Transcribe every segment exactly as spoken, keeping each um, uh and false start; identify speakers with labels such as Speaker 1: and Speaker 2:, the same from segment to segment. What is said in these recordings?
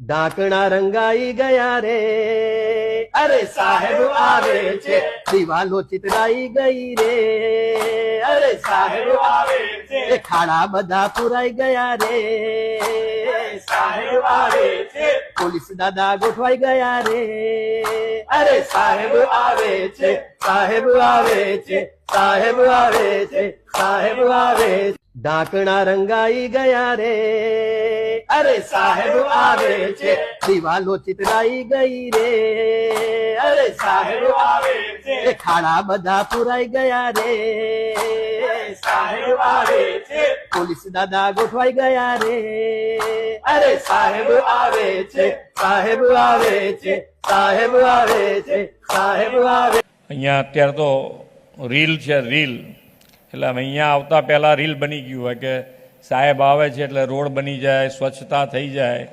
Speaker 1: ઢાંકણા રંગાઈ ગયા રે, અરે સાહેબ આવે છે, દિવાલો ચિતરાઈ ગઈ રે, અરે સાહેબ આવે છે, ખાડા બધા પુરાઈ ગયા રે, સાહેબ આવે છે, પોલીસ દાદા ગોઠવાઈ ગયા રે, અરે સાહેબ આવે છે, સાહેબ આવે છે, સાહેબ આવે છે, સાહેબ આવે છે. ઢાંકણા રંગાઈ ગયા રે, અરે સાહેબ આવે છે, દિવાલો ચિતરાઈ ગઈ રે, અરે સાહેબ આવે છે, ખાડા બધા પુરાઈ ગયા રે, સાહેબ આવે છે, પોલીસ દાદા ગોઠવાઈ ગયા રે, અરે સાહેબ આવે છે, સાહેબ આવે છે, સાહેબ આવે છે, સાહેબ આવે.
Speaker 2: અહીંયા અત્યારે તો રીલ છે, રીલ એટલે અહીંયા આવતા પહેલાં રીલ બની ગયું હોય કે સાહેબ આવે છે એટલે રોડ બની જાય, સ્વચ્છતા થઈ જાય.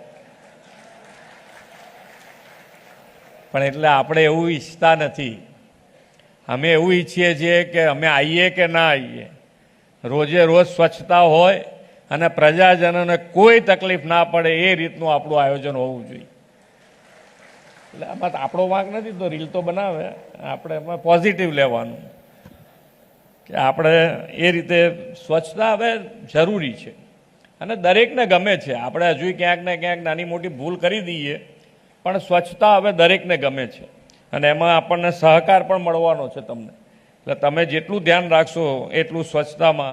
Speaker 2: પણ એટલે આપણે એવું ઈચ્છતા નથી. અમે એવું ઈચ્છીએ છીએ કે અમે આવીએ કે ના આવીએ, રોજે રોજ સ્વચ્છતા હોય અને પ્રજાજનોને કોઈ તકલીફ ના પડે એ રીતનું આપણું આયોજન હોવું જોઈએ. એટલે આમાં આપણો વાંક નથી, તો રીલ તો બનાવે, આપણે એમાં પોઝિટિવ લેવાનું કે આપણે એ રીતે સ્વચ્છતા હવે જરૂરી છે અને દરેકને ગમે છે. આપણે હજુ ક્યાંક ને ક્યાંક નાની મોટી ભૂલ કરી દઈએ, પણ સ્વચ્છતા હવે દરેકને ગમે છે અને એમાં આપણને સહકાર પણ મળવાનો છે તમને. એટલે તમે જેટલું ધ્યાન રાખશો એટલું સ્વચ્છતામાં